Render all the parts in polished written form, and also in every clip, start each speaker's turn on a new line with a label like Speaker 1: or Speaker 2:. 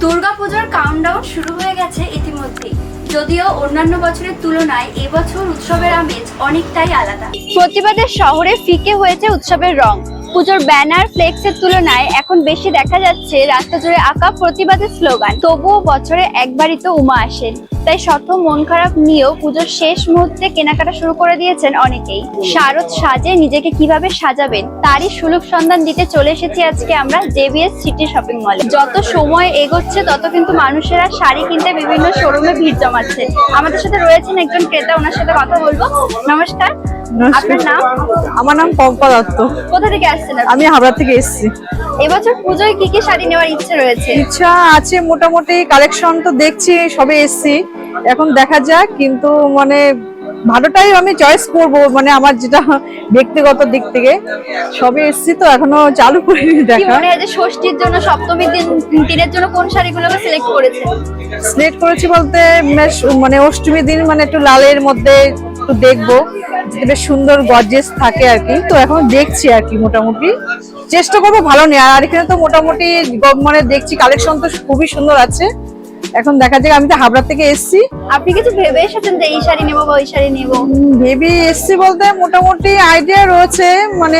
Speaker 1: দুর্গাপূজার কাউন্টডাউন শুরু হয়ে গেছে ইতিমধ্যে। যদিও অন্যান্য বছরের তুলনায় এবছর উৎসবের আমেজ অনেকটাই আলাদা। প্রতিবাদের শহরে ফিকে হয়েছে উৎসবের রং। পুজোর ব্যানার ফ্লেক্সের তুলনায় এখন বেশি দেখা যাচ্ছে রাস্তা জুড়ে আঁকা প্রতিবাদের স্লোগান। তবুও বছরে একবারই তো উমা আসেন, তাই শত মন খারাপ নিয়েও পুজোর শেষ মুহূর্তে কেনাকাটা শুরু করে দিয়েছেন অনেকেই। শারদ সাজে নিজেকে কিভাবে সাজাবেন তারই সুলভ সন্ধান দিতে চলে এসেছি আজকে আমরা জেবিএস সিটি শপিং মলে। যত সময় এগোচ্ছে তত কিন্তু মানুষেরা শাড়ি কিনতে বিভিন্ন শোরুমে ভিড় জমাচ্ছে। আমাদের সাথে রয়েছেন একজন ক্রেতা, ওনার সাথে কথা বলবো। নমস্কার, আপনার নাম?
Speaker 2: আমার নাম পম্পা দত্ত।
Speaker 1: কোথা থেকে আসছেন?
Speaker 2: আমি হাবড়া থেকে এসেছি।
Speaker 1: এবছর পুজোয় কি কি শাড়ি নেওয়ার ইচ্ছে রয়েছে?
Speaker 2: ইচ্ছা আছে, মোটামুটি কালেকশন তো দেখছি, সবে এসেছি, এখন দেখা যাক। কিন্তু মানে ভালোটাই আমি চয়েস করব, মানে আমার যেটা ব্যক্তিগত দিক থেকে। সবে এসেছি তো এখনো চালু করিনি
Speaker 1: কি
Speaker 2: দেখা।
Speaker 1: মনে হয় যে ষষ্ঠীর জন্য সপ্তমীর দিনের জন্য কোন শাড়িগুলোকে সিলেক্ট করেছেন?
Speaker 2: সিলেক্ট করেছি বলতে মানে অষ্টমীর দিন মানে একটু লালের মধ্যে একটু দেখবো, যাতে বেশ সুন্দর গর্জিয়াস থাকে আর কি। তো এখন দেখছি আর কি, মোটামুটি চেষ্টা করবো ভালো নেওয়ার। আর এখানে তো মোটামুটি মানে দেখছি কালেকশন তো খুবই সুন্দর আছে। এখন দেখা যাক, আমি তো হাবড়া থেকে এসেছি।
Speaker 1: আপনি কিছু ভেবে এসেছেন যে এই শাড়ি নেবো বা ওই শাড়ি নেবো?
Speaker 2: ভেবে এসেছি বলতে মোটামুটি আইডিয়া রয়েছে, মানে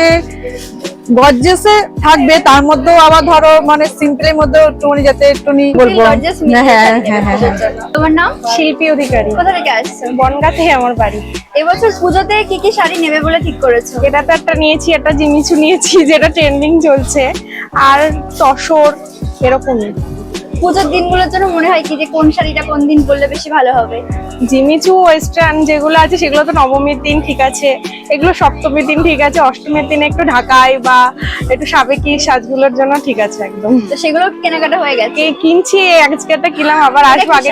Speaker 2: গর্জিয়াসে থাকবে, তার মধ্যেও আবার ধরো মানে সিম্পলের মধ্যে একটুখানি যাতে একটুখানি বলবো। হ্যাঁ হ্যাঁ হ্যাঁ।
Speaker 1: তোমার নাম?
Speaker 2: শিল্পী অধিকারী।
Speaker 1: কোথা থেকে আসছো?
Speaker 2: বনগাঁ থেকে আমার বাড়ি।
Speaker 1: এবছর পুজোতে কি কি শাড়ি নেবে বলে ঠিক করেছো?
Speaker 2: এটা তো একটা নিয়েছি, একটা জিমিচু নিয়েছি যেটা ট্রেন্ডিং চলছে, আর তসর এরকমই।
Speaker 1: পুজোর দিনগুলোর জন্য মনে হয় কি যে কোন শাড়িটা কোন দিন পরলে বেশি ভালো হবে?
Speaker 2: জিমিচু ওয়েস্টার্ন যেগুলো আছে সেগুলো তো নবমীর দিন ঠিক আছে, এগুলো সপ্তমীর দিন ঠিক আছে, অষ্টমীর দিন একটু ঢাকায় বা একটু সাবেকি সাজগুলোর জন্য ঠিক আছে একদম।
Speaker 1: তো সেগুলো কেনাকাটা হয়ে গেছে?
Speaker 2: কিনছি, আজকে একটা কিনলাম, আবার আসবো। আগে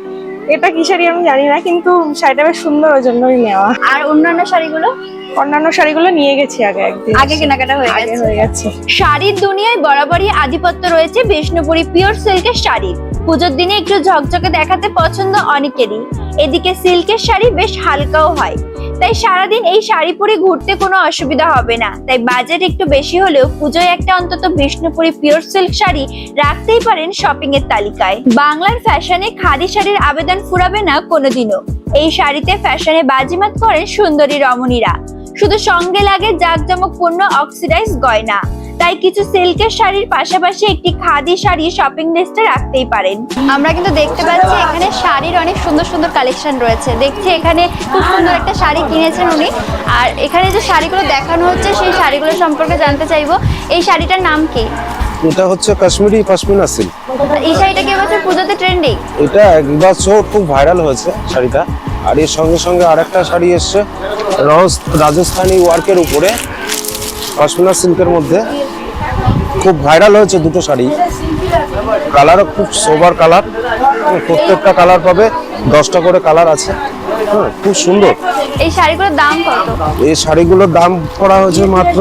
Speaker 2: এটা কি শাড়ি আমি জানি না, কিন্তু শাড়িটা বেশ সুন্দর, ওই জন্যই নেওয়া।
Speaker 1: আর অন্যান্য শাড়িগুলো?
Speaker 2: অন্যান্য শাড়িগুলো নিয়ে গেছি একদিন
Speaker 1: আগে কেনাকাটা হয়ে
Speaker 2: গেছে।
Speaker 1: শাড়ির দুনিয়ায় বরাবরই আধিপত্য রয়েছে বিষ্ণুপুরি পিওর সিল্কের শাড়ির। পুজোর দিনে একটু ঝকঝকে দেখাতে পছন্দ অনেকেরই। এদিকে সিল্কের শাড়ি বেশ হালকাও হয়, তাই সারাদিন এই শাড়ি পরে ঘুরতে কোনো অসুবিধা হবে না। তাই বাজেট একটু বেশি হলেও পুজোয় একটা অন্তত বিষ্ণুপুরি পিওর সিল্ক শাড়ি রাখতেই পারেন শপিং এর তালিকায়। বাংলার ফ্যাশনে খাদি শাড়ির আবেদন ফুরাবে না কোনোদিনও। এই শাড়িতে ফ্যাশনে বাজিমাত করেন সুন্দরী রমণীরা। শুধু সঙ্গে লাগে জাঁকজমকপূর্ণ অক্সিডাইজ গয়না। তাই কিছু সিল্কের শাড়ির পাশাপাশি একটি খাদি শাড়ি শপিং লিস্টে রাখতেই পারেন। আমরা কিন্তু দেখতে পাচ্ছি এখানে শাড়ির অনেক সুন্দর সুন্দর কালেকশন রয়েছে। দেখছি এখানে খুব সুন্দর একটা শাড়ি কিনেছেন উনি। আর এখানে যে শাড়িগুলো দেখানো হচ্ছে সেই শাড়িগুলো সম্পর্কে জানতে চাইবো। এই শাড়িটার নাম কি?
Speaker 3: এটা হচ্ছে কাশ্মীরি পশমিনা সিল্ক।
Speaker 1: এই শাড়িটা কি এবছর পুজোতে ট্রেন্ডিং?
Speaker 3: এটা একবছর খুব ভাইরাল হয়েছে শাড়িটা। আর এর সঙ্গে সঙ্গে আরেকটা শাড়ি এসছে রাজস্থানি ওয়ার্কের উপরে পশমিনা সিল্কের মধ্যে, খুব ভাইরাল হয়েছে দুটো শাড়ি। কালারও খুব সোবার কালার, প্রত্যেকটা কালার পাবে 10টা করে কালার আছে। খুব সুন্দর।
Speaker 1: এই শাড়িগুলোর দাম কত?
Speaker 3: এই শাড়িগুলোর দাম করা হয়েছে মাত্র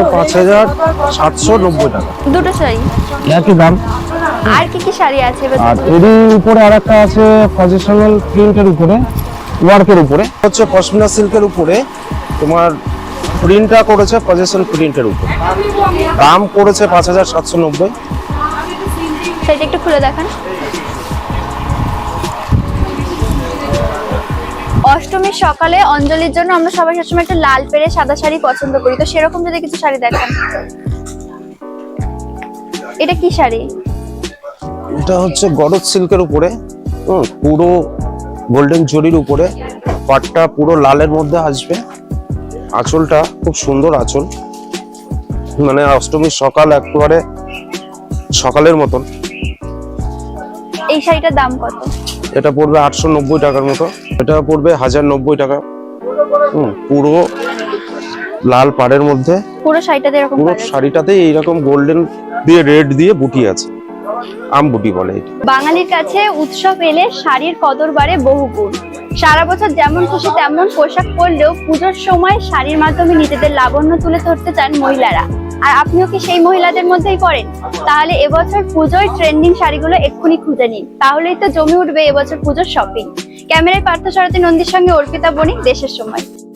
Speaker 3: 5790 টাকা।
Speaker 1: দুটো শাড়ি
Speaker 3: একই দাম।
Speaker 1: আর কি কি শাড়ি আছে?
Speaker 3: আর এরই উপরে আরেকটা আছে পজিশনাল প্রিন্টের উপরে, ওয়ার্কের উপরে, হচ্ছে পশমিনা সিল্কের উপরে তোমার প্রিন্টটা করেছে পজিশন প্রিন্টের উপরে। দাম করেছে 5790।
Speaker 1: সেটা একটু খুলে দেখান। অষ্টমীর সকালে অঞ্জলির জন্য আমরা সবাই সবসময় একটা লাল পেরে সাদা শাড়ি পছন্দ করি, তো সেরকম যদি কিছু শাড়ি দেখান। এটা কি শাড়ি?
Speaker 3: এটা হচ্ছে গরজ সিল্কের উপরে, পুরো গোল্ডেন জরির উপরে, পাটটা পুরো লালের মধ্যে আসবে। আঁচলটা খুব সুন্দর আঁচল, মানে অষ্টমীর সকাল একেবারে সকালের মতন।
Speaker 1: এই শাড়িটার দাম কত?
Speaker 3: এটা পড়বে 890 টাকার মতো। এটা পড়বে 1090 টাকা। পুরো লাল পাড়ের মধ্যে
Speaker 1: পুরো শাড়িটাতে এরকম
Speaker 3: পুরো শাড়িটাতে এইরকম গোল্ডেন দিয়ে রেড দিয়ে বুটি আছে, আম বুটি বলে এটা।
Speaker 1: বাঙালির কাছে উৎসব এলে শাড়ির কদর বাড়ে বহুগুণ। সারা বছর যেমন খুশি তেমন পোশাক পরলেও পুজোর সময় শাড়ির মাধ্যমে নিজেদের লাবণ্য তুলে ধরতে চান মহিলারা। আর আপনিও কি সেই মহিলাদের মধ্যেই পড়েন? তাহলে এবছর পুজোয় ট্রেন্ডিং শাড়িগুলো এক্ষুনি খুঁজে নিন, তাহলেই তো জমে উঠবে এবছর পুজোর শপিং। ক্যামেরায় পার্থ সারথী নন্দীর সঙ্গে অর্পিতা বণিক, দেশের সময়।